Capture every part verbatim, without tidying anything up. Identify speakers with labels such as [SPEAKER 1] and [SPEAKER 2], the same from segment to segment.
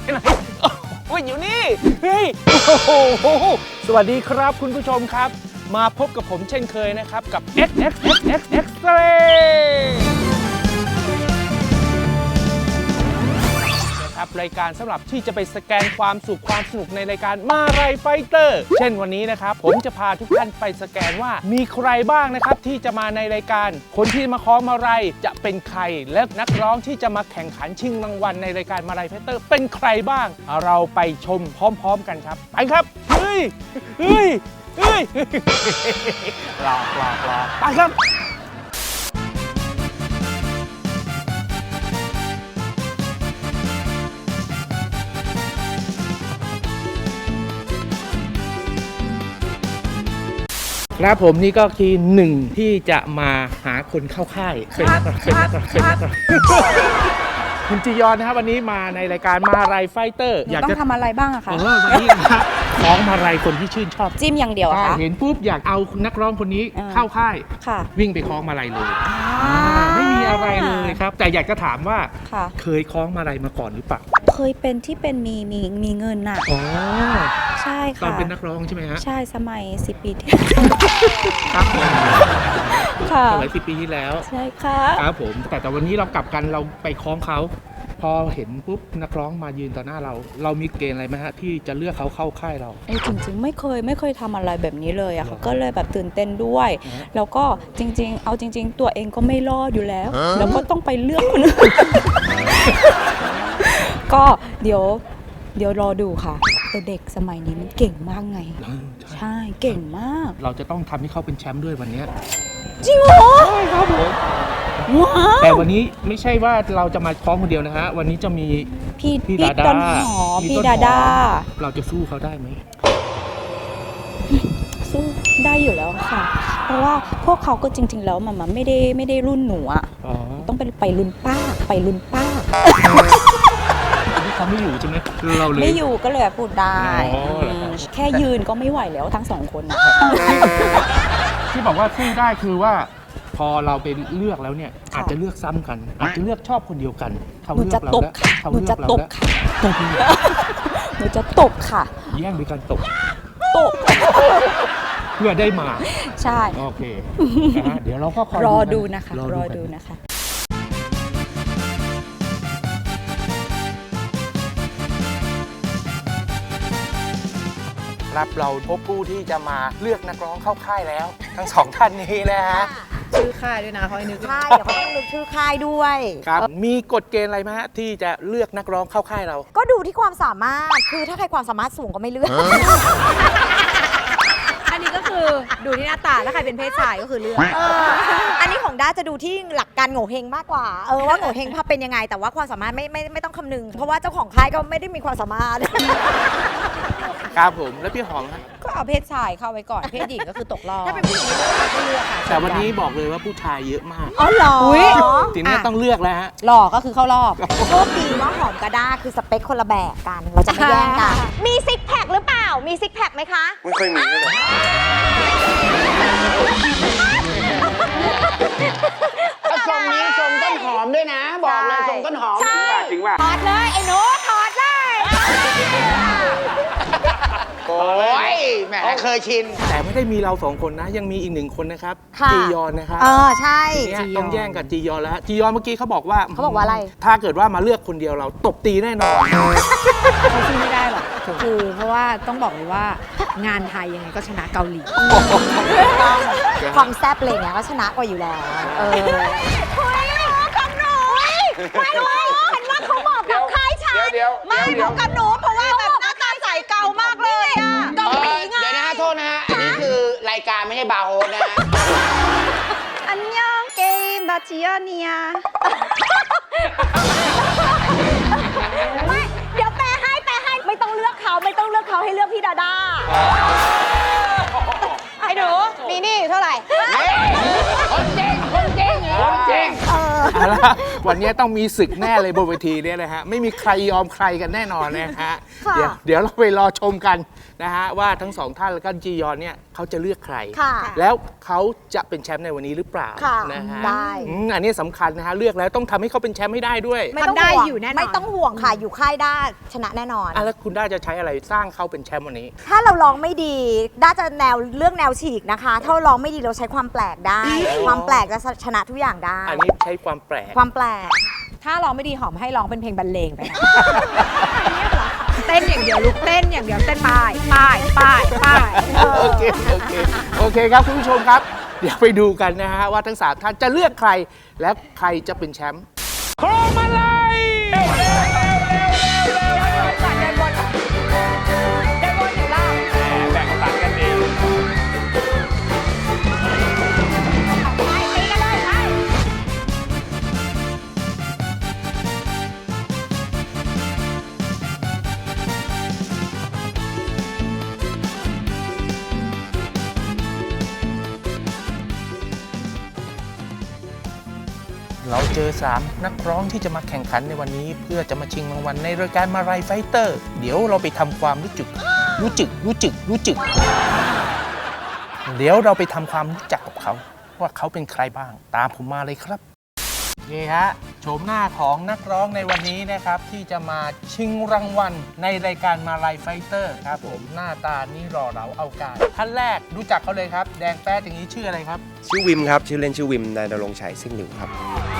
[SPEAKER 1] ไหนโอ้ยอยู่นี่เฮ้ยโอ้โหสวัสดีครับคุณผู้ชมครับมาพบกับผมเช่นเคยนะครับกับ เอ็กซ์ เอ็กซ์ เอ็กซ์ เอ็กซ์ X-Ray นะครับรายการสำหรับที่จะไปสแกนความสุขความสนุกในรายการมาไรไฟเตอร์เช่นวันนี้นะครับผมจะพาทุกท่านไปสแกนว่ามีใครบ้างนะครับที่จะมาในรายการคนที่มาคล้องมาไรจะเป็นใครและนักร้องที่จะมาแข่งขันชิงรางวัลในรายการมาไรไฟเตอร์เป็นใครบ้างเราไปชมพร้อมๆกันครับไปครับเฮ้ยเฮ้ยเฮ้ยรอรอรอไปครับครับผมนี่ก็คือหนึ่งที่จะมาหาคนเข้าค่ายเป็นเป็นคุณจียอนนะครับวันนี้มาในรายการมาไรไฟเตอร์
[SPEAKER 2] อยากจะทำอะไรบ้างอะคะ
[SPEAKER 1] เออวันนี้คล้องมาไรคนที่ชื่นชอบ
[SPEAKER 2] จิ้มอย่างเดียวค่ะ
[SPEAKER 1] เห็นปุ๊บอยากเอานักร้องคนนี้เข้าค่ายวิ่งไปคล้องมาไรเลยไม่มีอะไรเลยครับแต่อยากจะถามว่าเคยคล้องมาไรมาก่อนหรือเปล่า
[SPEAKER 2] เคยเป็นที่เป็นมีมีมีเงินน่ะ
[SPEAKER 1] อ๋อ
[SPEAKER 2] ใช่ค่ะ
[SPEAKER 1] ตอนเป็นนักร้องใช่ไหมฮะ
[SPEAKER 2] ใช่สมัยสิบปีที่
[SPEAKER 1] ครับ
[SPEAKER 2] ค่ะ
[SPEAKER 1] สมัยสิบปีที่แล้ว
[SPEAKER 2] ใช่ค่ะ
[SPEAKER 1] ครับผมแต่แต่วันนี้เรากลับกันเราไปคล้องเขาพอเห็นปุ๊บนักร้องมายืนต่อหน้าเราเรามีเกณฑ์อะไรไหมฮะที่จะเลือกเขาเข้าค่ายเรา
[SPEAKER 2] ไอ้จริงๆไม่เคยไม่เคยทำอะไรแบบนี้เลยอะค่ะก็เลยแบบตื่นเต้นด้วยแล้วก็จริงๆเอาจริงๆตัวเองก็ไม่รอดอยู่แล้วแล้วก็ต้องไปเลือกคนอื่นก็เดี๋ยวเดี๋ยวรอดูค่ะแต่เด็กสมัยนี้มันเก่งมากไงใช่เก่งมาก
[SPEAKER 1] เราจะต้องทำให้เขาเป็นแชมป์ด้วยวันนี้
[SPEAKER 2] จริงเหรอ
[SPEAKER 1] ใช่ครับผมแต่วันนี้ไม่ใช่ว่าเราจะมาคล้องคนเดียวนะฮะวันนี้จะมี
[SPEAKER 2] พี่พี่ดาดาพี่ดาดา
[SPEAKER 1] เราจะสู้เขาได้ไหม
[SPEAKER 2] สู้ได้อยู่แล้วค่ะเพราะว่าพวกเขาก็จริงๆแล้วมันไม่ได้ไม่ได้รุ่นหนูอ่ะต้องไปไปรุ่นป้าไปรุ่นป้า
[SPEAKER 1] เขาไม่อยู่ใช่ไหมเราเลย
[SPEAKER 2] ไม่อยู่ก็เลยพูดได้แค่ยืนก็ไม่ไหวแล้วทั้งสองคนนะ
[SPEAKER 1] ที่บอกว่าสู้ได้คือว่าพอเราไปเลือกแล้วเนี่ยอาจจะเลือกซ้ำกันอาจจะเลือกชอบคนเดียวกัน
[SPEAKER 2] เขาเลือกเราแล้วหนูจะตบค่ะตบหนูจะตบค่ะ
[SPEAKER 1] แย่งด้วยกันตบ
[SPEAKER 2] ตบ
[SPEAKER 1] เพื่อได้มา
[SPEAKER 2] ใช่
[SPEAKER 1] โอเคนะเดี๋ยวเราก็
[SPEAKER 2] รอดูนะคะรอดูนะคะ
[SPEAKER 1] รับเราพบผู้ที่จะมาเลือกนักร้องเข้าค่ายแล้วทั้งสองท่านนี้นะฮะ
[SPEAKER 3] ชื่อค่ายด้วยนะเขาให้นึก
[SPEAKER 2] ค่ายเดี๋ยวเขาต้องนึกชื่อค่ายด้วย
[SPEAKER 1] ครับมีกฎเกณฑ์อะไรไหมฮะที่จะเลือกนักร้องเข้าค่ายเรา
[SPEAKER 2] ก็ดูที่ความสามารถคือถ้าใครความสามารถสูงก็ไม่เลือก
[SPEAKER 3] อันนี้ก็คือดูที่หน้าตาถ้าใครเป็นเพศชายก็คือเลือก
[SPEAKER 2] อันนี้ของด้าจะดูที่หลักการโง่เฮงมากกว่าเออว่าโง่เฮงภาพเป็นยังไงแต่ว่าความสามารถไม่ไม่ไม่ต้องคำนึงเพราะว่าเจ้าของค่ายก็ไม่ได้มีความสามารถ
[SPEAKER 1] ครับผมแล้วพี่หอม
[SPEAKER 3] ก็เอาเพศชายเข้าไว้ก่อนเพศหญิงก็คือตกรอบ
[SPEAKER 2] ถ้าเป็นผู้หญิงก็เลือกค่ะ
[SPEAKER 1] แต่วันนี้บอกเลยว่าผู้ชายเยอะมาก
[SPEAKER 2] อ๋อเหรอ
[SPEAKER 1] ทีนี้ต้องเลือกแล้วฮะ
[SPEAKER 3] หล่อก็คือเข้ารอบ
[SPEAKER 2] โชคดีว่าหอมกับด้าคือสเปคคนละแบบกันเราจะไม่แย่งกันมีซิกแพคหรือเปล่ามีซิกแพคไหมคะ
[SPEAKER 4] ไม่เคยมีเลยทรงนี้ทรงต้นหอมด้วยนะบอกเลยทรงต้นหอมจริงป่ะจริงป่ะ
[SPEAKER 2] ถอดเลยไอ้หนูถอดเลย
[SPEAKER 4] โอ้ยแหมเคยชิน
[SPEAKER 1] แต่ไม่ได้มีเราสองคนนะยังมีอีกหนึ่งคนนะครับจียอนนะครับ
[SPEAKER 2] เออใช่
[SPEAKER 1] ต้องแย่งกับจียอนแล้วจียอนเมื่อกี้เขาบอกว่า
[SPEAKER 2] เขาบอกว่าอะไร
[SPEAKER 1] ถ้าเกิดว่ามาเลือกคนเดียวเราตบตีแน่นอน
[SPEAKER 3] เขาสู้ไม่ได้หรอกคือเพราะว่าต้องบอกเลยว่างานไทยยังไงก็ชนะเกาหลี
[SPEAKER 2] ความแซ่บเลยเนี่ยก็ชนะกว่าอยู่แล้วเออคุยหนูกับหนูไม่ไม่เห็นว่าเขาบอกกับใครฉันไม่หนูกับหนูเพราะว่าแบบหน้าตาใสเก่ามากเลยอ่ะเกาหลีไง
[SPEAKER 4] เดี๋ยวนะฮะโทษนะฮะอันนี้คือรายการไม่ใช่บาร์โฮสนะฮะ
[SPEAKER 2] อันยองเกมบาจิโอเนียไม่เดี๋ยวแปลให้แปลให้ไม่ต้องเลือกเขาไม่ต้องเลือกเขาให้เลือกพี่ดาดาไอ้หนูมีนี่เท่าไหร่
[SPEAKER 4] คนจริงคนจริงคนจริง
[SPEAKER 1] วันนี้ต้องมีศึกแน่เลยบนเวทีเนี่ยนะฮะไม่มีใครยอมใครกันแน่นอนนะฮะเดี๋ยวเดี๋ยวเราไปรอชมกันนะฮะว่าทั้งสองท่านและก็จียอนเนี่ยเขาจะเลือกใคร
[SPEAKER 2] ค่ะ
[SPEAKER 1] แล้วเขาจะเป็นแชมป์ในวันนี้หรือเปล่า
[SPEAKER 2] ค่ะ
[SPEAKER 1] นะฮะ
[SPEAKER 2] ได้
[SPEAKER 1] อืมอันนี้สำคัญนะฮะเลือกแล้วต้องทำให้เขาเป็นแชมป์ให้ได้ด้วย
[SPEAKER 2] ไม่ต้อง
[SPEAKER 3] ทำได้
[SPEAKER 2] ห่วง
[SPEAKER 3] อยู่แน่นอน
[SPEAKER 2] ไม่ต้องห่วงค่ะอยู่ค่ายด้าชนะแน่นอน
[SPEAKER 1] อ่ะแล้วคุณด้าจะใช้อะไรสร้างเขาเป็นแชมป์วันนี้
[SPEAKER 2] ถ้าเราร้องไม่ดีด้าจะแนวเรื่องแนวฉีกนะคะ ถ้าเราร้องไม่ดีเราใช้ความแปลกได้ ความแปลกจะชนะทุกอย่างได้
[SPEAKER 1] อันนี้ใช้ความแปลก
[SPEAKER 2] ความแปลก
[SPEAKER 3] ถ้าร้องไม่ดีหอมให้ร้องเป็นเพลงบรรเลงไปนะ เต้นอย่างเดียวลูกเต้นอย่างเดียวเต้นป้ายป้ายป้ายป้าย
[SPEAKER 1] โอเค โอเค โอเคครับคุณผู้ชมครับ เดี๋ยวไปดูกันนะฮะว่าทั้งสามท่านจะเลือกใคร และใครจะเป็นแชมป์โครมาลัย แบ่งตัดกันเองเราเจอสามนักร้องที่จะมาแข่งขันในวันนี้ เพื่อจะมาชิงรางวัลในรายการมาลัยไฟเตอร์ เดี๋ยวเราไปทำความรู้จักรู้จึกรู้จึกรู้จึก เดี๋ยวเราไปทำความรู้จักกับเขา ว่าเขาเป็นใครบ้าง ตามผมมาเลยครับนี่ฮะโฉมหน้าของนักร้องในวันนี้นะครับ ที่จะมาชิงรางวัลในรายการมาลัยไฟเตอร์ครับผมหน้าตานี่รอเราเอาการท่านแรกรู้จักเขาเลยครับ แดงแป๊ดอย่างนี้ชื่ออะไรครับ
[SPEAKER 5] ชื่อวิมครับ ชื่อเล่นชื่อวิมนายณรงค์ชัยซิ่งหลิวครับ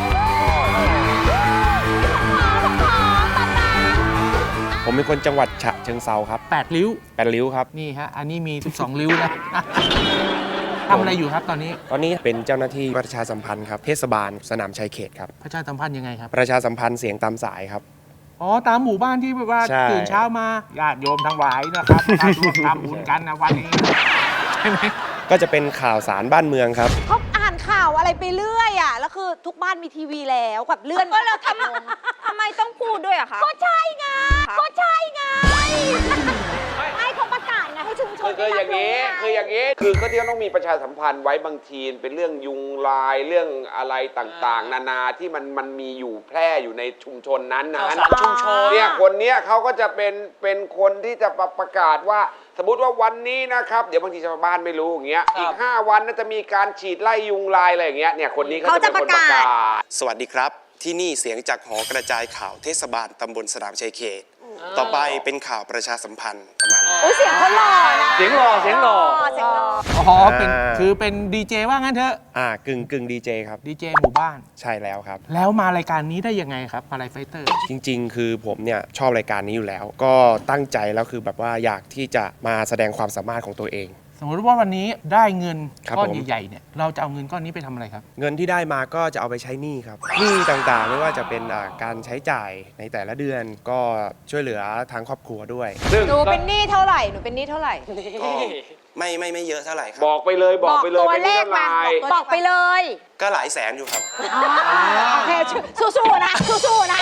[SPEAKER 5] ผมเป็นคนจังหวัดฉะเชิงเซาครับ
[SPEAKER 1] แปดริ้ว
[SPEAKER 5] แปดริ้วครับ
[SPEAKER 1] นี่ฮะอันนี้มี สิบสอง ริ้วนะ ทำอะไรอยู่ครับตอนนี้
[SPEAKER 5] ตอนนี้เป็นเจ้าหน้าที่ประชาสัมพันธ์ครับเทศบาลสนามชัยเขตครับ
[SPEAKER 1] ประชาสัมพันธ์ยังไงครับ
[SPEAKER 5] ประชาสัมพันธ์เสียงตามสายครับ
[SPEAKER 1] อ๋อตามหมู่บ้านที่แบบว่า
[SPEAKER 5] ใช่
[SPEAKER 1] ตื่นเช้ามาญาติโยมทั้งหลายนะครับมาร่วมทำบุญกันนะวันนี้ใช่ไหม
[SPEAKER 5] ก็จะเป็นข่าวสารบ้านเมืองครับ
[SPEAKER 2] เขาอ่านข่าวอะไรไปเรื่อยอ่ะ แล้วคือทุกบ้านมีทีวีแล้วแบบเลื่อนก็เราทำทำไมต้องพูดด้วยอะคะก็ใช่ไงก็ใช่ไงให้เขาประกาศไงให้ชุมชน
[SPEAKER 6] คืออย่างนี้คืออย่างนี้คือก็ที่ต้องมีประชาสัมพันธ์ไว้บางทีเป็นเรื่องยุงลายเรื่องอะไรต่างๆ นานาที่มันมันมีอยู่แพร่อยู่ในชุมชนนั้นนะชุมชนเนี่ยคนเนี้ยเขาก็จะเป็นเป็นคนที่จะประกาศว่าสมมติว่าวันนี้นะครับเดี๋ยวบางทีชาวบ้านไม่รู้อย่างเงี้ยอีกห้าวันน่าจะมีการฉีดไล่ยุงลายอะไรอย่างเงี้ยเนี่ยคนนี้เขาจะเป็นคนประกาศ
[SPEAKER 5] สวัสดีครับ ที่นี่เสียงจากหอกระจายข่าวเทศบาลตำบลสนามชัยเขต ต่อไปเป็นข่าวประชาสัมพันธ์ประมาณนี้
[SPEAKER 2] โอ้ยเสียงเขาหล่อนะ
[SPEAKER 6] เสียงหล่อเสียงหล่อ
[SPEAKER 2] เสียงหล่อ
[SPEAKER 1] อ๋อเป็น
[SPEAKER 5] อ่า
[SPEAKER 1] คือเป็นดีเจว่างั้นเถอะ
[SPEAKER 5] อ่ากึ่งกึ่งดีเจครับ
[SPEAKER 1] ดีเจหมู่บ้าน
[SPEAKER 5] ใช่แล้วครับ
[SPEAKER 1] แล้วมารายการนี้ได้ยังไงครับมาลัยไฟเตอร์
[SPEAKER 5] จริงๆ คือผมเนี่ยชอบรายการนี้อยู่แล้ว ก็ตั้งใจแล้วคือแบบว่าอยากที่จะมาแสดงความสามารถของตัวเอง
[SPEAKER 1] สมมติว่าวันนี้ได้เงิน
[SPEAKER 5] ครับ
[SPEAKER 1] ก้อน
[SPEAKER 5] ผม
[SPEAKER 1] ใหญ่ๆเนี่ยเราจะเอาเงินก้อนนี้ไปทำอะไรครับ
[SPEAKER 5] เงินที่ได้มาก็จะเอาไปใช้หนี้ครับหนี้ต่างๆ ไม่ว่าจะเป็นอ่าการใช้จ่ายในแต่ละเดือนก็ช่วยเหลือทางครอบครัวด้วย
[SPEAKER 6] ซึ่ง
[SPEAKER 2] หนูเป็นหนี้เท่าไหร่ หนูเป็นหนี้เท่าไหร่
[SPEAKER 5] ก็ไม่ไม่ไม่เยอะเท่าไหร่ครับ
[SPEAKER 6] บอกไปเลยบอกไปเลย
[SPEAKER 2] ตัว
[SPEAKER 6] เป็น
[SPEAKER 2] เล
[SPEAKER 6] เรื่
[SPEAKER 2] ข
[SPEAKER 6] อง
[SPEAKER 2] มา
[SPEAKER 6] ลาย
[SPEAKER 2] บอกไปเลย
[SPEAKER 5] ก็หลายแสนอยู่ครับ
[SPEAKER 2] โอเคสู้ๆนะสู้ๆนะ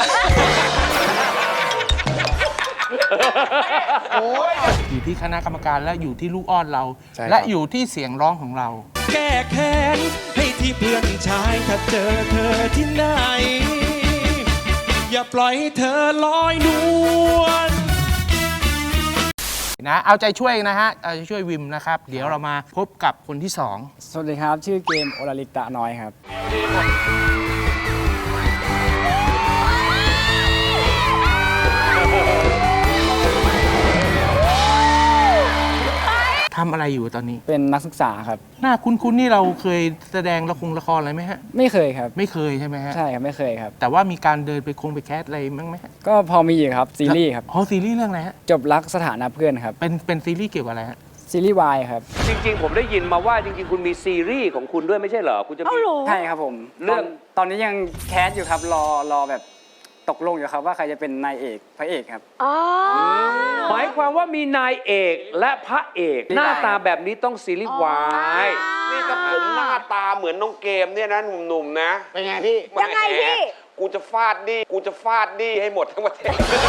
[SPEAKER 1] อยู่ที่คณะกรรมการและอยู่ที่ลูกอ้อนเรา
[SPEAKER 5] ใช่ครับ
[SPEAKER 1] และอยู่ที่เสียงร้องของเรา
[SPEAKER 7] แก้แค้นให้ที่เพื่อนชายถ้าเจอเธอที่ไหน อย่าปล่อยให้เธอลอยนวล
[SPEAKER 1] นะเอาใจช่วยนะฮะเอาใจช่วยวิมนะครับ เดี๋ยวเรามาพบกับคนที่สอง
[SPEAKER 8] สวัสดีครับ ชื่อเกมโอลาลิกตะน้อยครับ
[SPEAKER 1] ทำอะไรอยู่ตอนนี้
[SPEAKER 8] เป็นนักศึกษาครับ
[SPEAKER 1] หน้าคุ้นๆนี่เราเคยแสดงละครละครอะไรไหมฮะ
[SPEAKER 8] ไม่เคยครับ
[SPEAKER 1] ไม่เคยใช่ไหมฮะ
[SPEAKER 8] ใช่ครับ ไม่เคยครับ
[SPEAKER 1] แต่ว่ามีการเดินไปคงไปแคสอะไรมั้งไหมฮะ
[SPEAKER 8] ก็พอมีอยู่ครับ ซีรีส์ครับ
[SPEAKER 1] อ๋อซีรีส์เรื่องอะไรฮะ
[SPEAKER 8] จบรักสถานะเพื่อนครับ
[SPEAKER 1] เป็นเป็นซีรีส์เกี่ยวกับอะไรฮะ
[SPEAKER 8] ซีรีส์วายครับ
[SPEAKER 6] จริงๆ ผมได้ยินมาว่าจริงๆ คุณมีซีรีส์ของคุณด้วยไม่ใช่เหรอ คุณจะมี
[SPEAKER 8] ใช่ครับผม
[SPEAKER 6] เรื่อง
[SPEAKER 8] ตนตอนนี้ยังแคสอยู่ครับ รอรอแบบตกลงอยู่ครับว่าใครจะเป็นนายเอกพระเอกครับ
[SPEAKER 6] หมายความว่ามีนายเอกและพระเอก หน้าตาแบบนี้ต้องซีรีส์วายนี่ถ้าผมหน้าตาเหมือนน้องเกมเนี่ยนะหนุ่มๆนะ
[SPEAKER 4] เป็นไงพี่
[SPEAKER 2] ยังไงพี่
[SPEAKER 6] กูจะฟาดดีกูจะฟาดดีให้หมดทั้งประเทศ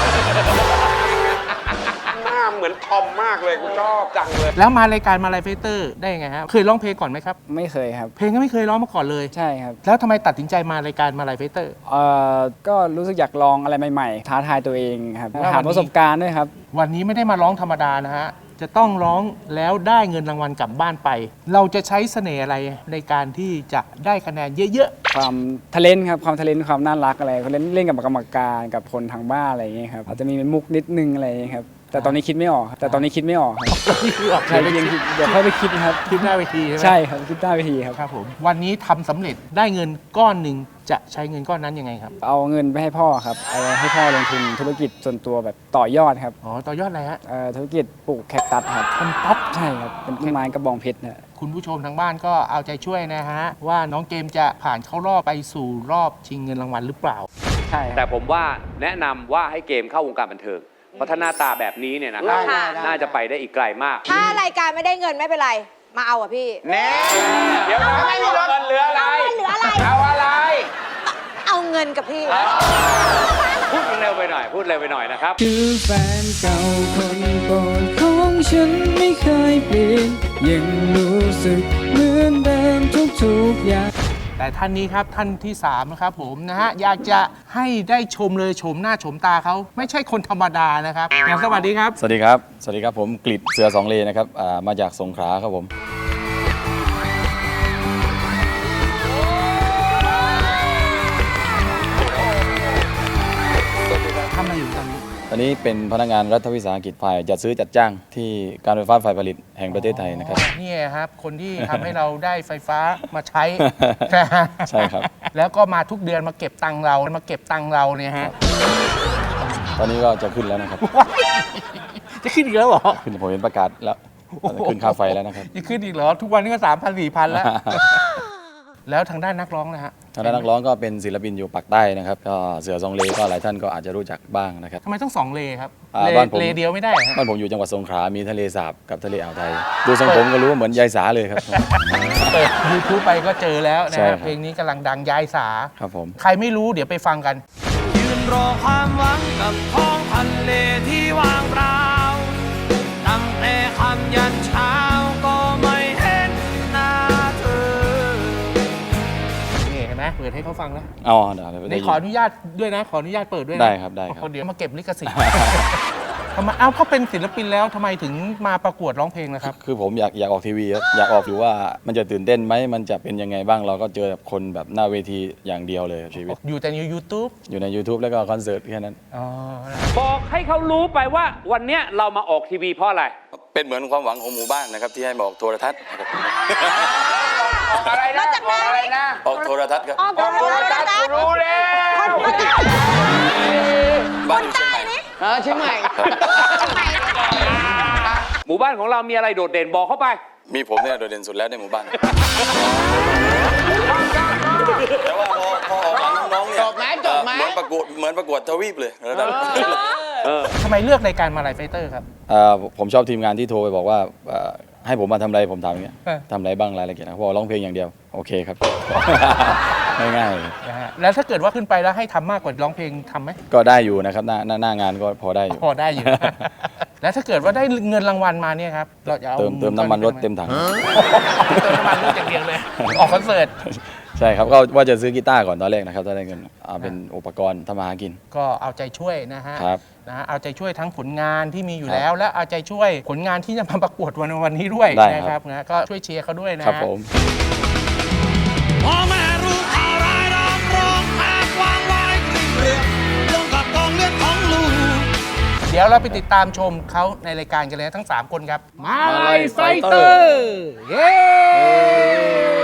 [SPEAKER 6] หน้าเหมือนทอมมากเลยกูชอบจังเลย
[SPEAKER 1] แล้วมารายการมาลัยไฟเตอร์ได้ยังไงฮะเคยร้องเพลงก่อนไหมครับ
[SPEAKER 8] ไม่เคยครับ
[SPEAKER 1] เพลงก็ไม่เคยร้องมาก่อนเลย
[SPEAKER 8] ใช่ครับ
[SPEAKER 1] แล้วทำไมตัดสินใจมารายการมาลัยไฟเตอร์
[SPEAKER 8] เอ่อ ก็รู้สึกอยากลองอะไรใหม่ๆ ท้าทายตัวเองครับ
[SPEAKER 1] แล้ววันนี้
[SPEAKER 8] หาประสบการณ์ด้วยครับ
[SPEAKER 1] วันนี้ไม่ได้มาร้องธรรมดานะฮะจะต้องร้องแล้วได้เงินรางวัลกลับบ้านไป เราจะใช้เสน่ห์อะไรในการที่จะได้คะแนนเยอะ
[SPEAKER 8] ความทะเลนครับความทะเลนความน่ารักอะไรเขาเล่นเล่นกับกรรมการกับคนทางบ้านอะไรอย่างเงี้ยครับอาจจะมีเป็นมุกนิดนึงอะไรอย่างเงี้ยครับแต่ตอนนี้คิดไม่ออกครับแต่ตอนนี้คิดไม่ออกครับ
[SPEAKER 1] ๆนี่คือออก
[SPEAKER 8] ใช่ยังคิดเดี๋ยวค่อยไปคิดครับ
[SPEAKER 1] คิดหน้าเวทีใช่ไหม
[SPEAKER 8] ใช่ครับคิดได้วิธีครับ
[SPEAKER 1] ครับผมวันนี้ทำสำเร็จได้เงินก้อนหนึ่งจะใช้เงินก้อนนั้นยังไงครับ
[SPEAKER 8] เอาเงินไปให้พ่อครับเอาให้พ่อลงทุนธุรกิจส่วนตัวแบบต่อยอดครับ
[SPEAKER 1] อ๋อต่อยอดอะไรฮะ
[SPEAKER 8] เอ่อธุรกิจปลูกแคคตัสครับ
[SPEAKER 1] ทำตัด
[SPEAKER 8] ใช่ครับเป็นต้นไม้กระบองเพชรนะ
[SPEAKER 1] คุณผู้ชมทางบ้านก็เอาใจช่วยนะฮะ ว่าน้องเกมจะผ่านเข้ารอบไปสู่รอบชิงเงินรางวัลหรือเปล่า
[SPEAKER 8] ใช่ค
[SPEAKER 6] แต่
[SPEAKER 8] รับ
[SPEAKER 6] ผมว่าแนะนำว่าให้เกมเข้าวงการบันเทิง เพราะถ้าหน้าตาแบบนี้เนี่ยนะครับ
[SPEAKER 2] ได้ได้
[SPEAKER 6] น่าจะไปได้อีกไกลมาก
[SPEAKER 2] ถ้ารายการไม่ได้เงินไม่เป็นไร มาเอาอ่ะพี่
[SPEAKER 4] แน่
[SPEAKER 6] เดี๋ยวไม่มีเงินเหลืออะไร
[SPEAKER 2] เอาเงินเหลืออะไร
[SPEAKER 6] เอาอะไร
[SPEAKER 2] เอาเงินกับพี่
[SPEAKER 6] พูดเร็วไปหน่อย พูดเร็วไปหน่อยนะครับ
[SPEAKER 7] คือแฟนเก่าคนโปรดของฉันไม่เคยเปลี่ยนยังรู้สึกเหมือนเดิมทุกๆอย่าง
[SPEAKER 1] แต่ท่านนี้ครับท่านที่สามนะครับผมนะฮะอยากจะให้ได้ชมเลยชมหน้าชมตาเขาไม่ใช่คนธรรมดานะครับงั้นสวัสดีครับ
[SPEAKER 9] สวัสดีครับ สวัสดีครับ ผมกฤษเสือสองเลนะครับอ่ามาจากสงขลาครับผม
[SPEAKER 1] ทำอะไรอยู่ตอนนี้
[SPEAKER 9] ตอนนี้เป็นพนักงานรัฐวิสาหกิจฝ่ายจัดซื้อจัดจ้างที่การไฟฟ้าฝ่ายผลิตแห่งประเทศไทยนะครับ
[SPEAKER 1] อ๋อนี่ครับ คนที่ทำให้เราได้ไฟฟ้ามาใช้
[SPEAKER 9] ใช่ครับ
[SPEAKER 1] แล้วก็มาทุกเดือนมาเก็บตังค์เรามาเก็บตังค์เราเนี่ยฮะ
[SPEAKER 9] ตอนนี้ก็จะขึ้นแล้วนะครับ
[SPEAKER 1] จะขึ้นอีกแล้วเหรอ
[SPEAKER 9] ขึ้นผมเห็นประกาศแล้วขึ้นค่าไฟแล้วนะครับ
[SPEAKER 1] จะขึ้นอีกเหรอ ทุกวันนี้ก็สามพันสี่พันแล้ว แล้วทางด้านนักร้องนะฮะ
[SPEAKER 9] ทางด้านนักร้องก็เป็นศิลปินอยู่ปากใต้นะครับก็เสือสองเลก็หลายท่านก็อาจจะรู้จักบ้างนะครับ
[SPEAKER 1] ทำไมต้องสองเลครับ
[SPEAKER 9] อ่า
[SPEAKER 1] เล
[SPEAKER 9] บ้านผม
[SPEAKER 1] เลเดียวไม่ได้เหรอฮะ
[SPEAKER 9] บ้านผมอยู่จังหวัดสงขลามีทะเลสาบกับทะเลอ่าวไทย ดูทรงผมก็รู้ว่าเหมือนยายสาเลยครับ
[SPEAKER 1] เปิดยูทูบไปก็เจอแล้วนะ
[SPEAKER 9] ใช่ครั
[SPEAKER 1] ฮะ
[SPEAKER 9] บ
[SPEAKER 1] เพลงนี้กำลังดังยายสา
[SPEAKER 9] ครับผม
[SPEAKER 1] ใครไม่รู้เดี๋ยวไปฟังกัน
[SPEAKER 7] ยืนรอความหวังกับท้องทะเลที่ว่างเปล่าตั้งแต่คำยันเช้าก็ไม่เห็นหน้าเธอ
[SPEAKER 1] นี่เห็นไหมเปิดให้เขาฟังแล้ว
[SPEAKER 9] อ๋อเดี๋ยวเดี๋ยว
[SPEAKER 1] นี่ขออนุญาตด้วยนะ ขออนุญาตเปิดด้วยนะ
[SPEAKER 9] ได้ครับได้ครับ
[SPEAKER 1] เดี๋ยวมาเก็บลิขสิทธิ์ ทำไมเอ้าเขาเป็นศิลปินแล้วทำไมถึงมาประกวดร้องเพลงนะครับ
[SPEAKER 9] คือผมอยากอยากออกทีวีครับอยากออกอยู่ว่ามันจะตื่นเต้นไหมมันจะเป็นยังไงบ้างเราก็เจอแบบคนแบบหน้าเวทีอย่างเดียวเลยครับชีวิต
[SPEAKER 1] อยู่แต่ใน YouTube
[SPEAKER 9] อยู่ใน YouTube แล้วก็คอนเสิร์ตแค่นั้น
[SPEAKER 1] อ๋อ
[SPEAKER 6] บอกให้เขารู้ไปว่าวันเนี้ยเรามาออกทีวีเพราะอะไร
[SPEAKER 9] เป็นเหมือนความหวังของหมู่บ้านนะครับที่ให้มาออกโทรทัศน์นะครับ
[SPEAKER 6] อะไรนะบอกอะไรนะ
[SPEAKER 9] ออกโทรทัศน์ครับ
[SPEAKER 2] ออก
[SPEAKER 6] ออกโทรทัศน์กูรู้แล้ว
[SPEAKER 9] บ้านอยู่เชียงใหม่
[SPEAKER 4] เออเชียงใหม่
[SPEAKER 6] หมู่บ้านของเรามีอะไรโดดเด่นบอกเข้าไป
[SPEAKER 9] มีผมเนี่ยโดดเด่นสุดแล้วในหมู่บ้าน แต่ว่าพอพอออกมาน้องๆเนี่ย
[SPEAKER 4] จบไหมจบไหม
[SPEAKER 9] เอ่อเหมือนประกวดเหมือนประกวดทวีปเลยระดับ
[SPEAKER 1] ทำไมเลือกรายการมาลายไฟเตอร์ครับ
[SPEAKER 9] เอ่อผมชอบทีมงานที่โทรไปบอกว่าเอ่อให้ผมมาทำอะไรผมทำอย่างเงี้ย
[SPEAKER 1] เออ
[SPEAKER 9] ทำอะไรบ้างรายละเอียดนะพอร้องเพลงอย่างเดียวโอเคครับ ง่ายๆเลย
[SPEAKER 1] นะฮะแล้วถ้าเกิดว่าขึ้นไปแล้วให้ทำมากกว่าร้องเพลงทำไหม
[SPEAKER 9] ก็ได้อยู่นะครับหน้าหน้าหน้างานก็พอได้อยู่
[SPEAKER 1] พอได้อยู่ แล้วถ้าเกิดว่าได้เงินรางวัลมาเนี่ยครับเราจะเอา
[SPEAKER 9] เติมเติมน้ำมันรถเต็มถัง
[SPEAKER 1] เติมน้ำมันรถอย่างเดียวเลย ออกคอนเสิร์ต
[SPEAKER 9] ใช่ครับก็ว่าจะซื้อกีตาร์ก่อนตอนแรกนะครับถ้าได้เงินเอาเป็นอุปกรณ์ทำมาหากิน
[SPEAKER 1] ก็เอาใจช่วยนะฮะ
[SPEAKER 9] ครับ
[SPEAKER 1] นะฮะเอาใจช่วยทั้งผลงานที่มีอยู่
[SPEAKER 9] ครับ
[SPEAKER 1] แล้ว และเอาใจช่วยผลงานที่จะมาประกวดวันวันนี้ด้วย
[SPEAKER 9] ได้
[SPEAKER 1] นะค
[SPEAKER 9] ครั
[SPEAKER 1] รับบ นะก็ช่วยเชียร์เขาด้วยนะ
[SPEAKER 9] ครับ
[SPEAKER 1] ฮะ
[SPEAKER 9] ผม
[SPEAKER 7] พ่อแม่รู้ข่าวร้ายร้องร้องแอบวางไว้กริ่งเรื่องลงกับกองเลือดของลูก
[SPEAKER 1] เดี๋ยวเราไปติดตามชมเขาในรายการกันเลยทั้งสามคนครับ มาลายไฟเตอร์ เย้